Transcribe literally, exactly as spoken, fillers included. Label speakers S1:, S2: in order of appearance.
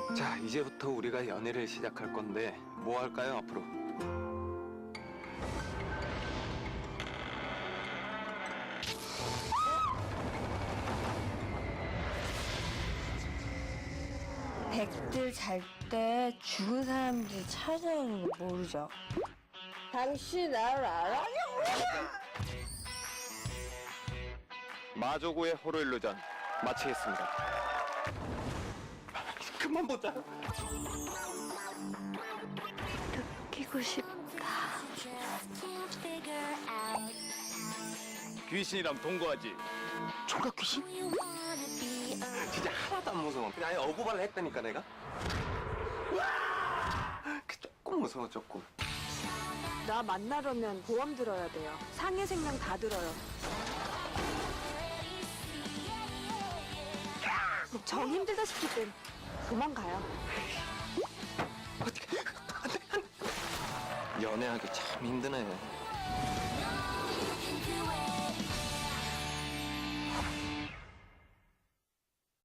S1: 자, 이제부터 우리가 연애를 시작할 건데 뭐 할까요, 앞으로?
S2: 백들 잘 때 죽은 사람들 찾아오는 거 모르죠? 당신 나를 알아?
S1: 마조구의 호로일루전 마치겠습니다. 그만 보자.
S2: 느끼고 싶다.
S1: 귀신이랑 동거하지. 총각 귀신? 진짜 하나도 안 무서워. 그냥 아예 어부발을 했다니까 내가. 그 조금 무서워 조금.
S3: 나 만나려면 보험 들어야 돼요. 상해 생명 다 들어요. 정 힘들다 싶을 땐 도망가요.
S1: 연애하기 참 힘드네.